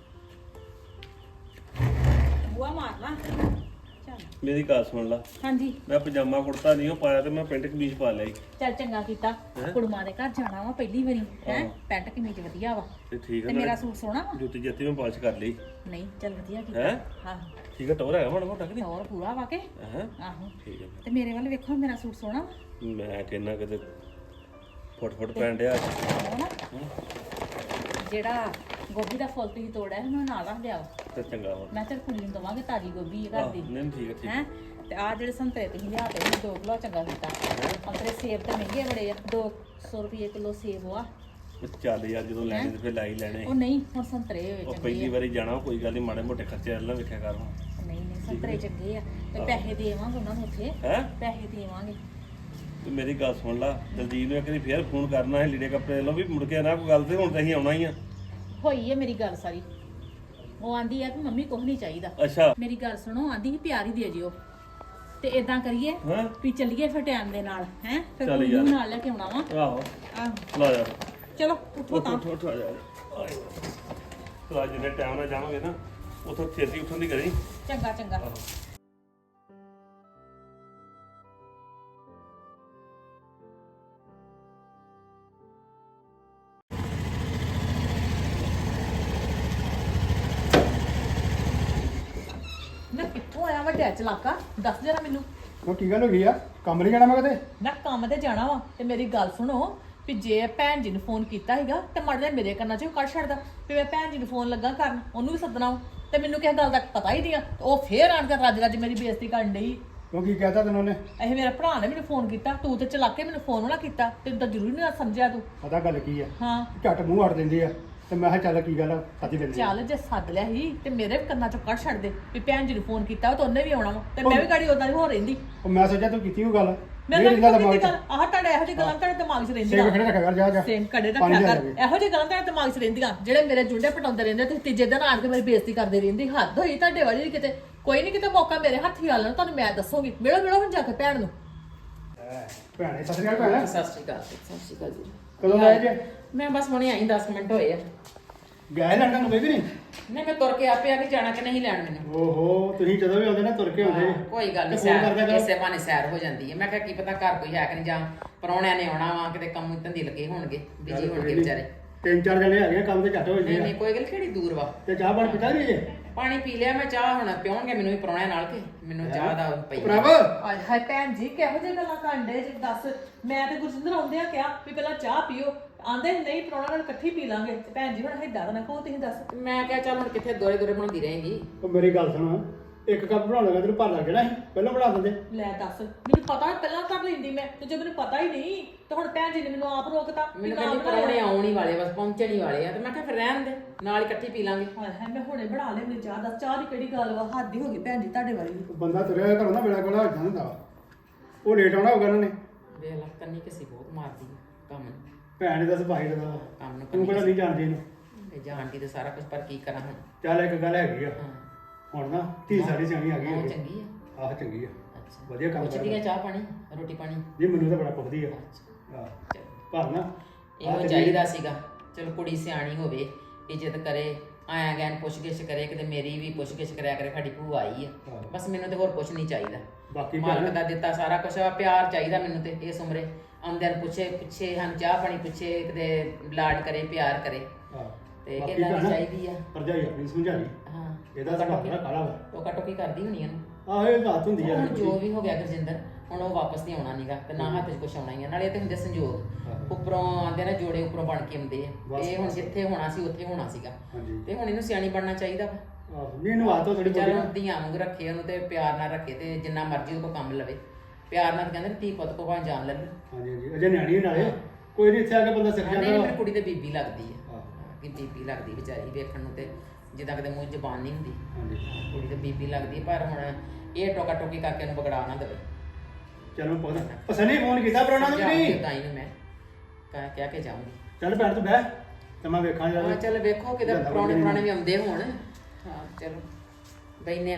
D: ਬੁਆ ਮਾਰਨਾ ਚੱਲ।
F: ਮੇਰੀ ਗੱਲ ਸੁਣ ਲਾ,
D: ਹਾਂਜੀ
F: ਮੈਂ ਪਜਾਮਾ ਕੁੜਤਾ ਨਹੀਂ ਉਹ ਪਾਇਆ ਤੇ ਮੈਂ ਪੈਂਟ ਕਮੀਜ਼ ਪਾ ਲਈ।
D: ਚੱਲ ਚੰਗਾ ਕੀਤਾ। ਕੁੜਮਾ ਦੇ ਘਰ ਜਾਣਾ ਵਾ ਪਹਿਲੀ ਵਾਰੀ ਹੈ, ਪੈਂਟ ਕਮੀਜ਼ ਵਧੀਆ ਵਾ
F: ਤੇ ਠੀਕ
D: ਤੇ
F: ਹੈ,
D: ਮੇਰਾ ਸੂਟ ਸੋਹਣਾ ਵਾ।
F: ਜੁੱਤੀ ਜੱਤੀ ਮੈਂ ਪਾਲਿਸ਼ ਕਰ ਲਈ।
D: ਨਹੀਂ ਚੱਲ ਵਧੀਆ ਕੀਤਾ।
F: ਹੈਂ?
D: ਹਾਂ
F: ਠੀਕ ਹੈ, ਟੋਰ ਹੈਗਾ ਮਾੜਾ ਮੋਟਾ ਕਿ ਨਹੀਂ?
D: ਹੋਰ ਪੂਰਾ ਵਾ ਕੇ
F: ਹੈਂ?
D: ਆਹੋ।
F: ਠੀਕ ਹੈ,
D: ਤੇ ਮੇਰੇ ਵੱਲ ਵੇਖੋ, ਮੇਰਾ ਸੂਟ ਸੋਹਣਾ ਵਾ
F: ਮੈਂ ਕਹਿੰਦਾ ਕਿਤੇ ਫੁੱਟ ਫੁੱਟ ਪੈਣ ਡਿਆ।
D: ਸੋਹਣਾ। ਜਿਹੜਾ ਗੋਭੀ ਦਾ ਫੁੱਲ ਤੁਸੀਂ ਤੋੜਿਆ ਸੀ, ਮੈਂ ਨਾਲ ਰੱਖ ਲਿਆ ਵਾ।
F: ਤੇ ਚੰਗਾ ਵਾ।
D: ਮੈਂ ਚੱਲ ਕੁੜੀ ਨੂੰ ਦਵਾਂਗੇ, ਤਾਜ਼ੀ ਗੋਭੀ ਹੈ ਘਰ ਦੀ।
F: ਨਹੀਂ ਨਹੀਂ, ਠੀਕ ਹੈ ਠੀਕ
D: ਹੈ ਤੇ ਆਹ ਜਿਹੜੇ ਸੰਤਰੇ ਤੁਸੀਂ ਲਿਆ ਕੇ ਦੋ ਕਿਲੋ ਚੰਗਾ ਕੀਤਾ। ਅੰਤਰੇ ਸੇਬ ਤੇ ਮਹਿੰਗੇ ਬੜੇ ਆ, ਦੋ ਸੌ ਰੁਪਏ ਕਿਲੋ ਸੇਬ ਆ।
F: ਹੈ। ਚੱਲ ਯਾਰ, ਜਦੋਂ ਲੈਣੇ ਤੇ ਫਿਰ ਲੈ ਹੀ ਲੈਣੇ।
D: ਉਹ ਨਹੀਂ ਹੁਣ ਸੰਤਰੇ
F: ਉਹ
D: ਚੰਗੇ
F: ਪਹਿਲੀ
D: ਆ।
F: ਵਾਰੀ ਜਾਣਾ, ਕੋਈ ਗੱਲ ਨਹੀਂ, ਮਾੜੇ ਮੋਟੇ ਖਰਚੇ ਵੱਲ ਨਾ ਵੇਖਿਆ ਕਰ ਹੁਣ।
D: ਨਹੀਂ ਨਹੀਂ ਸੰਤਰੇ ਚੰਗੇ ਆ ਤੇ ਪੈਸੇ ਦੇਵਾਂਗੇ ਉਹਨਾਂ ਨੂੰ ਉੱਥੇ।
F: ਹੈ
D: ਪੈਸੇ ਦੇਵਾਂਗੇ।
F: ਤੇ ਮੇਰੀ ਗੱਲ ਸੁਣ ਲਾ, ਦਲਜੀਤ ਨੂੰ ਇੱਕ ਵਾਰੀ ਫੇਰ ਫੋਨ ਕਰਨਾ ਹੈ, ਲੀੜੇ ਕੱਪੜੇ ਲਓ ਵੀ ਮੁੜ ਕੇ ਨਾ ਕੋਈ ਗੱਲ ਤੇ ਹੁਣ ਤਾਂ ਅਸੀਂ ਆਉਣਾ ਹੀ ਆ।
D: ਹੋਈ ਹੈ ਮੇਰੀ ਗੱਲ ਸਾਰੀ। ਉਹ ਆਂਦੀ ਆ ਕਿ ਮੰਮੀ ਕੁਝ ਨਹੀਂ ਚਾਹੀਦਾ।
F: ਅੱਛਾ
D: ਮੇਰੀ ਗੱਲ ਸੁਣੋ, ਆਂਦੀ ਸੀ ਪਿਆਰ ਹੀ ਦੇ ਜਿਓ ਤੇ ਇਦਾਂ ਕਰੀਏ
F: ਹਾਂ
D: ਵੀ ਚੱਲੀਏ ਫਿਰ ਟਾਈਮ ਦੇ ਨਾਲ ਹੈ, ਫਿਰ
F: ਚੱਲ
D: ਕੁੜੀ
F: ਯਾਰ।
D: ਨੂੰ ਨਾਲ ਲੈ ਕੇ ਆਉਣਾ ਵਾ।
F: ਆਹੋ,
D: ਆਹੋ
F: ਲਾ ਜਾ
D: ਚਲੋ ਉੱਠੋ ਤਾਂ।
F: ਉੱਠ ਉੱਠ ਆ ਜਾ ਤੂੰ ਅੱਜ ਜਿਹੜੇ ਟਾਈਮ ਨਾਲ ਜਾਵਾਂਗੇ ਨਾ, ਉਥੋਂ ਛੇਤੀ ਉੱਠਣ ਦੀ ਕਰੀ।
D: ਚੰਗਾ ਚੰਗਾ।
A: ਨਾ ਕਿੱਥੋਂ ਆਇਆ ਵੱਡਿਆ ਚਲਾਕਾ, ਦੱਸ ਜਰਾ ਮੈਨੂੰ।
B: ਉਹ ਕੀ ਗੱਲ ਹੋ ਗਈ ਆ? ਕੰਮ ਨਹੀਂ ਜਾਣਾ ਮੈਂ ਕਦੇ?
A: ਨਾ ਕੰਮ ਤੇ ਜਾਣਾ ਵਾ ਤੇ ਮੇਰੀ ਗੱਲ ਸੁਣੋ ਵੀ ਜੇ ਭੈਣ ਜੀ ਨੂੰ ਫੋਨ ਕੀਤਾ ਸੀਗਾ ਤੇ ਮੜ ਜਾ ਮੇਰੇ ਕੰਨਾਂ 'ਚੋਂ ਕੱਢ ਛੱਡਦਾ ਵੀ ਮੈਂ ਭੈਣ ਜੀ ਨੂੰ ਫੋਨ ਲੱਗਾ ਕਰਨ, ਉਹਨੂੰ ਵੀ ਸੱਦਣਾ ਵਾ ਤੇ ਮੈਨੂੰ ਕਿਸੇ ਗੱਲ ਦਾ ਪਤਾ ਹੀ ਨਹੀਂ ਆ। ਉਹ ਫੇਰ ਆਣ ਕੇ ਰੱਜ ਰੱਜ ਮੇਰੀ ਬੇਇੱਜ਼ਤੀ ਕਰਨ ਡਈ।
B: ਉਹ ਕੀ ਕਹਿਤਾ ਤੈਨੂੰ ਉਹਨੇ?
A: ਇਹ ਮੇਰੇ ਭਰਾ ਨੇ ਮੈਨੂੰ ਫੋਨ ਕੀਤਾ, ਤੂੰ ਤੇ ਚਲਾਕੇ ਮੈਨੂੰ ਫੋਨ ਨਾ ਕੀਤਾ, ਤੈਨੂੰ ਤਾਂ ਜ਼ਰੂਰੀ ਨਹੀਂ ਸਮਝਿਆ ਤੂੰ।
B: ਪਤਾ ਗੱਲ ਕੀ ਆ?
A: ਹਾਂ
B: ਝੱਟ ਮੂੰਹ ਅੜ ਦਿੰਦੀ ਆ ਤੇ ਮੈਂ ਕਿਹਾ ਚੱਲ ਕੀ ਗੱਲ ਆ, ਸੱਦ ਹੀ ਲੈਂਦੀ ਆ।
A: ਚੱਲ ਜੇ ਸੱਦ ਲਿਆ ਸੀ ਤੇ ਮੇਰੇ ਵੀ ਕੰਨਾਂ 'ਚੋਂ ਕੱਢ ਛੱਡ ਦੇ ਵੀ ਭੈਣ ਜੀ ਨੂੰ ਫੋਨ ਕੀਤਾ ਤਾਂ ਉਹਨੇ ਵੀ ਆਉਣਾ ਵਾ ਤੇ ਮੈਂ ਵੀ ਗਾੜੀ ਉਦਾਂ ਦੀ ਹੋ ਰਹਿੰਦੀ।
B: ਉਹ ਮੈਂ ਸੋਚਿਆ ਤੂੰ ਕੀਤੀ ਉਹ ਗੱਲ।
A: ਮੇਰੇ
B: ਇਹ
A: ਨਾਲ
B: ਦਿਮਾਗ
A: ਕਿਉਂ ਕੀਤੀ
B: 'ਚ
A: ਗੱਲ? ਆਹ ਤੁਹਾਡੇ ਇਹੋ ਜਿਹੀ ਗੱਲਾਂ ਤੁਹਾਡੇ ਦਿਮਾਗ 'ਚ
B: ਸੇਬ
A: ਰਹਿੰਦੀਆਂ।
B: ਖੜੇ ਰੱਖਿਆ ਕਰ, ਜਾ ਜਾ
A: ਸੇਮ ਕੜੇ
B: ਪਾਣੀ
A: ਰੱਖਿਆ
B: ਲਿਆ
A: ਕਰ,
B: ਦੇ।
A: ਇਹੋ ਜਿਹੀ ਗੱਲਾਂ ਤੁਹਾਡੇ ਦਿਮਾਗ 'ਚ ਰਹਿੰਦੀਆਂ ਜਿਹੜੇ ਮੇਰੇ ਜੁੰਡੇ ਪਟਾਉਂਦੇ ਰਹਿੰਦੇ ਤੇ ਤੀਜੇ ਦਿਨ ਆਣ ਕੇ ਮੇਰੀ ਬੇਇੱਜ਼ਤੀ ਕਰਦੇ ਰਹਿੰਦੀ। ਹੱਦ ਹੋਈ ਤੁਹਾਡੇ ਵਾਲੀ ਵੀ ਕਿਤੇ। ਕੋਈ ਨਹੀਂ, ਕਿਤੇ ਮੌਕਾ ਮੇਰੇ ਹੱਥੀ ਆ ਲੈਣਾ, ਤੁਹਾਨੂੰ ਮੈਂ ਦੱਸੂਗੀ। ਮਿਲੋ ਮਿਲੋ ਹੁਣ ਜਾ ਕੇ ਭੈਣ ਨੂੰ।
B: ਭੈਣੇ ਸਤਿ ਸ਼੍ਰੀ ਅਕਾਲ ਭੈਣ।
E: ਸਤਿ ਸ਼੍ਰੀ ਅਕਾਲ ਜੀ, ਸਤਿ ਸ਼੍ਰੀ ਅਕਾਲ ਜੀ।
B: ਕਦੋਂ ਆਏ ਜੇ?
E: ਮੈਂ ਬਸ ਹੁਣੇ ਆਈ, ਦਸ ਮਿੰਟ ਹੋਏ ਆ।
B: ਗਏ ਲੰਡਨ ਨੂੰ, ਗਏ ਕਿ ਨਹੀਂ?
E: ਨਹੀਂ ਮੈਂ ਤੁਰ ਕੇ ਆਪੇ ਆ ਕੇ ਜਾਣਾ ਕਿ ਨਹੀਂ ਲੈਣ ਮੈਨੂੰ।
B: ਓਹੋ, ਤੁਸੀਂ ਜਦੋਂ ਵੀ ਆਉਂਦੇ ਨਾ ਤੁਰ ਕੇ ਆਉਂਦੇ।
E: ਹਾਂ, ਕੋਈ ਗੱਲ ਨਹੀਂ,
B: ਤੇ ਫੋਨ ਕਰਦਿਆ
E: ਸੈਰ
B: ਕਰੋ।
E: ਇਸੇ ਬਹਾਨੇ ਸੈਰ ਹੋ ਜਾਂਦੀ ਹੈ। ਮੈਂ ਕਿਹਾ ਕੀ ਪਤਾ ਘਰ ਕੋਈ ਹੈ ਕਿ ਨਹੀਂ, ਜਾਂ ਪਰੌਣਿਆਂ ਨੇ ਆਉਣਾ ਵਾ, ਕਿਤੇ ਕੰਮ ਧੰਦੇ ਲੱਗੇ ਹੋਣਗੇ, ਬਿਜੀ ਹੋਣਗੇ ਵਿਚਾਰੇ।
B: ਤਿੰਨ ਚਾਰ ਜਣੇ ਹੈਗੇ, ਕੰਮ ਤੇ ਝੱਟ ਹੋ ਜਾਂਦੇ
E: ਨਹੀਂ
B: ਆ।
E: ਨਹੀਂ ਕੋਈ ਗੱਲ, ਕਿਹੜੀ ਦੂਰ ਵਾ।
B: ਤੇ ਚਾਹ ਪਾਣੀ ਪੀਤਾ ਨਹੀਂ ਜੇ?
E: ਪਾਣੀ ਪੀ ਲਿਆ ਮੈਂ, ਚਾਹ ਹੁਣ ਪਿਉਣਗੇ ਮੈਨੂੰ ਵੀ ਪਰੌਣਿਆਂ ਨਾਲ ਕੇ ਮੈਨੂੰ ਚਾਹ ਦਾ ਪਈ।
B: ਪ੍ਰਭ
A: ਆਏ ਹਾਏ ਭੈਣ ਜੀ, ਕਿਹੋ ਜਿਹੀ ਗੱਲਾਂ ਕਾਂਡੇ ਜੀ, ਦੱਸ। ਮੈਂ ਤੇ ਗੁਰਜਿੰਦਰ ਆਉਂਦੇ ਆ ਕਿਹਾ ਵੀ ਪਹਿਲਾਂ ਚਾਹ ਪੀਓ, ਆਂਦੇ ਨਹੀਂ ਪਰੌਣਾ ਨਾਲ ਇਕੱਠੀ ਪੀ ਲਾਂਗੇ। ਤੇ ਭੈਣ ਜੀ ਹੁਣ ਏਦਾਂ ਦਾ ਨਾ ਕਹੋ, ਤੁਸੀਂ ਦੱਸ।
E: ਮੈਂ ਕਿਹਾ ਚੱਲ ਹੁਣ ਕਿੱਥੇ ਦੋਰੇ ਦੋਰੇ ਬਣਾਉਂਦੀ ਰਹੇਗੀ।
B: ਉਹ ਮੇਰੀ ਗੱਲ ਸੁਣ, ਇੱਕ ਕੱਪ ਬਣਾਉਣ ਲੱਗਾ ਤੈਨੂੰ ਭਰ ਲੱਗ ਜਾਣਾ ਸੀ, ਪਹਿਲਾਂ ਬਣਾ ਦਿੰਦੇ।
A: ਲੈ ਦੱਸ, ਮੈਨੂੰ ਪਤਾ ਪਹਿਲਾਂ ਕਰ ਲੈਂਦੀ ਮੈਂ, ਤੇ ਜੇ ਮੈਨੂੰ ਪਤਾ ਹੀ ਨਹੀਂ ਤੇ ਹੁਣ ਭੈਣ ਜੀ ਨੇ ਮੈਨੂੰ ਆਪ ਰੋਕਤਾ ਵੀ
E: ਮੈਨੂੰ
A: ਨਾ
E: ਕਹਿੰਦੀ
A: ਬਣਾਇਓ।
E: ਪਰੌਣੇ ਆਉਣ ਹੀ ਵਾਲੇ, ਬਸ ਪਹੁੰਚਣ ਹੀ ਵਾਲੇ ਆ। ਤੇ ਮੈਂ ਕਿਹਾ ਫਿਰ ਰਹਿਣ ਦੇ, ਨਾਲ ਇਕੱਠੀ ਪੀ ਲਾਂਗੇ।
A: ਹਾਏ ਹਾਏ, ਮੈਂ ਹੁਣੇ ਬਣਾ ਲੈਣੀ ਚਾਹ। ਦੱਸ ਚਾਹ ਦੀ ਕਿਹੜੀ ਗੱਲ ਵਾ? ਹੱਦ ਹੀ ਹੋ ਗਈ ਭੈਣ ਜੀ ਤੁਹਾਡੇ ਵਾਲੀ ਵੀ।
B: ਬੰਦਾ ਤੁਰਿਆ ਘਰੋਂ ਨਾ ਵੇਲਾ ਕੋਲਾ ਹੋ ਜਾਂਦਾ ਹੁੰਦਾ ਵਾ। ਉਹ ਲੇਟ ਆਉਣਾ ਹੋਗਾ ਉਹਨਾਂ ਨੇ।
E: ਵੇਖ ਲਾ, ਕੰਨੀ ਕਿਸੇ ਬਹੁਤ ਮਾਰਦੀ ਆ ਕੰਮ ਨੂੰ।
B: ਭੈਣ ਦਾ ਸੁਭਾਅ ਹੀ ਦਾ
E: ਕੰਮ ਨੂੰ
B: ਤੂੰ ਕਿਹੜਾ ਨਹੀਂ ਜਾਣਦੀ ਇਹਨੂੰ।
E: ਤੇ ਜਾਣਦੀ ਤੇ ਸਾਰਾ ਕੁਝ, ਪਰ ਕੀ ਕਰਾਂ ਹੁਣ।
B: ਚੱਲ ਇੱਕ ਗੱਲ ਹੈਗੀ ਆ,
E: ਹਾਂ
B: ਹੁਣ ਨਾ ਧੀ ਸਾਡੀ ਸਿਆਣੀ ਆ ਗਈ
E: ਉਹ
B: ਹੈ।
E: ਚੰਗੀ ਆ।
B: ਆਹ ਚੰਗੀ ਆ,
E: ਅੱਛਾ,
B: ਵਧੀਆ ਕੰਮ
E: ਪੁੱਛਦੀ ਆ
B: ਕਰਦਾ।
E: ਚਾਹ ਪਾਣੀ, ਰੋਟੀ ਪਾਣੀ।
B: ਜੀ ਮੈਨੂੰ ਤਾਂ ਬੜਾ ਪੁੱਛਦੀ ਆ।
E: ਅੱਛਾ,
B: ਆਹ,
E: ਚਲੋ
B: ਪਰ ਨਾ
E: ਇਹੋ ਚਾਹੀਦਾ ਸੀਗਾ। ਚਲੋ ਕੁੜੀ ਸਿਆਣੀ ਹੋਵੇ, ਇੱਜ਼ਤ ਕਰੇ, ਆਇਆ ਗੈਨ ਪੁੱਛ-ਗਿੱਛ ਕਰੇ, ਕਿਤੇ ਮੇਰੀ ਵੀ ਪੁੱਛ-ਗਿੱਛ ਕਰਿਆ ਕਰੇ, ਸਾਡੀ ਭੂਆ ਆਈ ਆ।
B: ਹਾਂ।
E: ਬਸ ਮੈਨੂੰ ਤੇ ਹੋਰ ਕੁਝ ਨਹੀਂ ਚਾਹੀਦਾ।
B: ਬਾਕੀ
E: ਮਾਲਕ
B: ਭੈਣ
E: ਦਾ ਦਿੱਤਾ ਸਾਰਾ ਕੁਝ ਆ, ਪਿਆਰ ਚਾਹੀਦਾ ਮੈਨੂੰ ਤੇ ਇਸ ਉਮਰੇ। ਆਉਂਦਿਆਂ ਨੂੰ ਪੁੱਛੇ ਪੁੱਛੇ ਹਨ, ਚਾਹ ਪਾਣੀ ਪੁੱਛੇ, ਕਿਤੇ ਲਾਡ ਕਰੇ, ਪਿਆਰ ਕਰੇ,
B: ਹਾਂ,
E: ਤੇ
B: ਬਾਕੀ
E: ਇਦਾਂ ਦੀ
B: ਭੈਣ
E: ਚਾਹੀਦੀ ਆ।
B: ਭਰਜਾਈ ਆਪਣੀ ਸਮਝਾਈ,
E: ਹਾਂ,
B: ਇਹਦਾ ਸੁਭਾਅ ਬੜਾ ਕਾਲਾ ਵਾ।
E: ਟੋਕਾ ਟੋਕੀ ਕਰਦੀ ਹੋਣੀ ਇਹਨੂੰ।
B: ਆਹੋ ਇਹ ਬਾਤ ਹੁੰਦੀ ਆ।
E: ਹੁਣ ਜੋ ਵੀ ਹੋ ਗਿਆ ਗੁਰਜਿੰਦਰ, ਹੁਣ ਉਹ ਵਾਪਸ ਨਹੀਂ ਆਉਣਾ ਨੀਗਾ ਤੇ ਨਾ ਹੱਥ 'ਚ ਕੁਛ ਆਉਣਾ ਹੀ ਆ। ਨਾਲੇ ਇਹ ਤੇ ਹੁੰਦੇ ਸੰਜੋਗ, ਉੱਪਰੋਂ ਆਉਂਦੇ ਨਾ ਜੋੜੇ, ਉੱਪਰੋਂ ਬਣ ਕੇ ਆਉਂਦੇ ਆ।
B: ਬਸ,
E: ਇਹ ਹੁਣ
B: ਬਸ।
E: ਜਿੱਥੇ ਹੋਣਾ ਸੀ ਉੱਥੇ ਹੋਣਾ ਸੀਗਾ,
B: ਹਾਂਜੀ।
E: ਤੇ ਹੁਣ ਇਹਨੂੰ ਸਿਆਣੀ ਬਣਨਾ ਚਾਹੀਦਾ ਵਾ।
B: ਆਹੋ, ਨਹੀਂ ਇਹਨੂੰ ਆਦਤ ਥੋੜੀ
E: ਵਿਚਾਰੇ
B: ਬੋਲੀ
E: ਨੂੰ ਧੀਆਂ ਵਾਂਗ ਰੱਖੇ ਉਹਨੂੰ, ਤੇ ਪਿਆਰ ਨਾਲ ਰੱਖੇ, ਤੇ ਜਿੰਨਾ ਮਰਜ਼ੀ ਉਹਦੇ ਕੋਲ ਕੰਮ ਲਵੇ ਪਿਆਰ ਨਾਲ। ਕਹਿੰਦੇ ਧੀ ਪੁੱਤ ਕੋ ਭਾਵੇਂ ਜਾਨ ਲੈ ਲਓ।
B: ਹਾਂਜੀ ਹਾਂਜੀ, ਅਜੇ ਨਿਆਣੀ ਵੀ ਨਾਲੇ ਕੋਈ ਨਹੀਂ, ਇੱਥੇ ਆ ਕੇ ਬੰਦਾ ਸਿੱਖ
E: ਨਹੀਂ,
B: ਜਾਂਦਾ
E: ਮੇਰੀ
B: ਵਾ।
E: ਕੁੜੀ ਤੇ ਬੀਬੀ ਲੱਗਦੀ ਆ।
B: ਆਹੋ।
E: ਕਿ ਬੀਬੀ ਲੱਗਦੀ ਵਿਚਾਰੀ ਵੇਖਣ ਨੂੰ, ਤੇ ਜਿੱਦਾਂ ਕਿਤੇ ਮੂੰਹ ਜ਼ਬਾਨ ਨਹੀਂ ਹੁੰਦੀ।
B: ਹਾਂਜੀ,
E: ਕੁੜੀ ਤੇ ਬੀਬੀ ਲੱਗਦੀ, ਪਰ ਹੁਣ ਇਹ ਟੋਕਾ ਟੋਕੀ ਕਰਕੇ ਇਹਨੂੰ ਵਿਗੜਾ ਨਾ ਦੇਵੇ।
B: ਚਲੋ ਪਤਾ ਪਸੰਦ ਨਹੀਂ ਫੋਨ ਕੀਤਾ ਪਰਾਣਾ ਨੂੰ ਨਹੀਂ।
E: ਤਾਈ ਨੂੰ ਮੈਂ ਕਹਿ ਕਹਿ ਕੇ ਜਾਊਂਗੀ।
B: ਚੱਲ ਭੈਣ ਤੂੰ ਬਹਿ ਤੇ ਮੈਂ ਵੇਖਾਂ ਜਰਾ।
E: ਹਾਂ ਚੱਲ ਵੇਖੋ ਕਿਤੇ
B: ਜ਼ਿਆਦਾ
E: ਪੁਰਾਣੇ
B: ਵਧੀਆ
E: ਪੁਰਾਣੇ ਵੀ ਆਉਂਦੇ ਹੋਣ। ਹਾਂ ਚਲੋ ਬੈਨੇ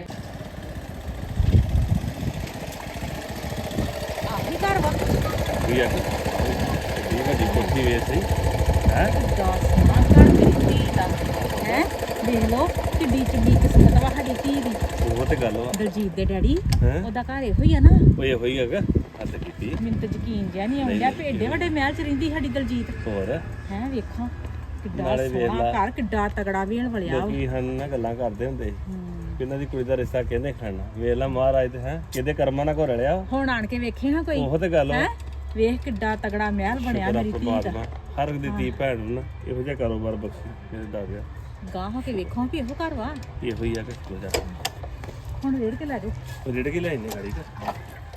D: ਆਹੀ ਘਰ ਵਾ।
C: ਠੀਕ ਹੈ
F: ਕਿੰਨੀ ਵੱਡੀ ਕੋਠੀ ਵੇਚ ਸਹੀ ਹੈ
D: ਕਿੱਡਾ ਸੋਹਣਾ ਘਰ ਮੇਰੀ ਧੀ ਦਾ ਹੈ ਵੇਖ ਲਓ ਕਿੱਡੀ ਚੰਗੀ ਕਿਸਮਤ ਵਾ ਸਾਡੀ ਧੀ ਦੀ।
F: ਉਹ ਤੇ ਗੱਲ ਵਾ
D: ਦਲਜੀਤ ਦੇ ਡੈਡੀ
F: ਹੈਂ?
D: ਉਹਦਾ ਘਰ ਇਹੋ ਹੀ ਆ ਨਾ।
F: ਓਏ ਹੋਈ ਹੈਗਾ ਹੱਦ ਕੀਤੀ
D: ਮੈਨੂੰ ਤਾਂ ਯਕੀਨ ਜਿਹਾ ਨਹੀਂ ਆਉਂਦਾ ਵੀ ਏਡੇ ਵੱਡੇ ਮਹਿਲ 'ਚ ਰਹਿੰਦੀ ਸਾਡੀ ਦਲਜੀਤ
F: ਹੋਰ
D: ਹੈ। ਵੇਖਾਂ ਕਿੱਡਾ
F: ਨਾਲੇ ਵੇਖ
D: ਸੋਹਣਾ
F: ਲਾ।
D: ਘਰ ਕਿੱਡਾ ਤਗੜਾ ਵੇਲ ਵਲਿਆ ਵਾ।
F: ਲੋਕੀ ਹਨ ਨਾ ਗੱਲਾਂ ਕਰਦੇ ਹੁੰਦੇ
D: ਹੂੰ।
F: ਕਿ ਇਹਨਾਂ ਦੀ ਕੁੜੀ ਦਾ ਰਿਸ਼ਤਾ ਕਹਿੰਦੇ ਖਾਣਾ ਵੇਖ ਲਾ ਮਹਾਰਾਜ ਤੇ ਹੈ ਕਿਹਦੇ ਕਰਮਾਂ ਨਾਲ ਕੋ ਰਲਿਆ ਵਾ।
D: ਹੁਣ ਆਣ ਕੇ ਵੇਖੇ ਹਾਂ ਕੋਈ
F: ਉਹ ਤੇ ਗੱਲ ਵਾ
D: ਹੈ ਵੇਖ ਕਿੱਡਾ ਤਗੜਾ ਮਹਿਲ ਬਣਿਆ
F: ਸ਼ੁਕਰ ਆ
D: ਮੇਰੀ ਧੀ ਦਾ।
F: ਪਰਮਾਤਮਾ ਹਰ ਇੱਕ ਦੀ ਧੀ ਭੈਣ ਨੂੰ ਨਾ ਇਹੋ ਜਿਹਾ ਕਾਰੋਬਾਰ ਬਖਸ਼ੀ ਮੇਰੇ ਦਾਦਿਆ
D: ਗਾਂ ਹੋ ਕੇ ਵੇਖੋ ਵੀ ਇਹੋ ਘਰ ਵਾ।
F: ਇਹੋ ਹੀ ਆ ਕਿ ਹੋ ਜਾ
D: ਹੁਣ ਰੇੜ ਕੇ ਲੈ ਜਾਓ।
F: ਉਹ ਜਿਹੜੇ ਕੀ ਲੈਣੇ ਗਾੜੀ ਤੇ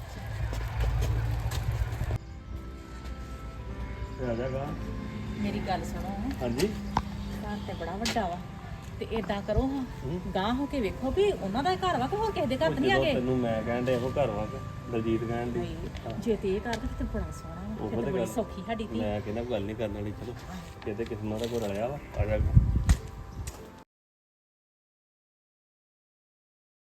F: ਰਾਜਾ ਗਾ
D: ਮੇਰੀ ਗੱਲ ਸੁਣੋ
F: ਹਾਂਜੀ
D: ਘਰ ਤੇ ਬੜਾ ਵੱਡਾ ਵਾ ਤੇ ਏਦਾਂ ਕਰੋ ਹਾਂ ਗਾਂ ਹੋ ਕੇ ਵੇਖੋ ਵੀ ਉਹਨਾਂ ਦਾ ਘਰ ਵਾ ਕਿ ਹੋਰ ਕਿਸੇ ਦੇ ਘਰ ਤਾਂ ਨਹੀਂ ਆ
F: ਜਦੋਂ
D: ਗਏ।
F: ਤੈਨੂੰ ਮੈਂ ਕਹਿਣ ਦੇ ਇਹੋ ਘਰ ਵਾ ਕੇ ਦਲਜੀਤ ਕਹਿਣ ਦੀ
D: ਨਹੀਂ, ਜੇ ਤੇ ਇਹ ਘਰ ਤਾਂ ਕਿਤੇ ਬੜਾ ਸੋਹਣਾ ਵਾ
F: ਉਹ
D: ਤੇ
F: ਤਾਂ
D: ਬੜੀ
F: ਗੱਲ।
D: ਸੌਖੀ ਸਾਡੀ ਧੀ।
F: ਮੈਂ ਕਹਿੰਦਾ ਗੱਲ ਨਹੀਂ ਕਰਨ ਵਾਲੀ ਚਲੋ ਕਿਤੇ ਕਿਸਮਾਂ ਦਾ ਕੋਈ ਰਲਿਆ ਵਾ ਆ ਜਾ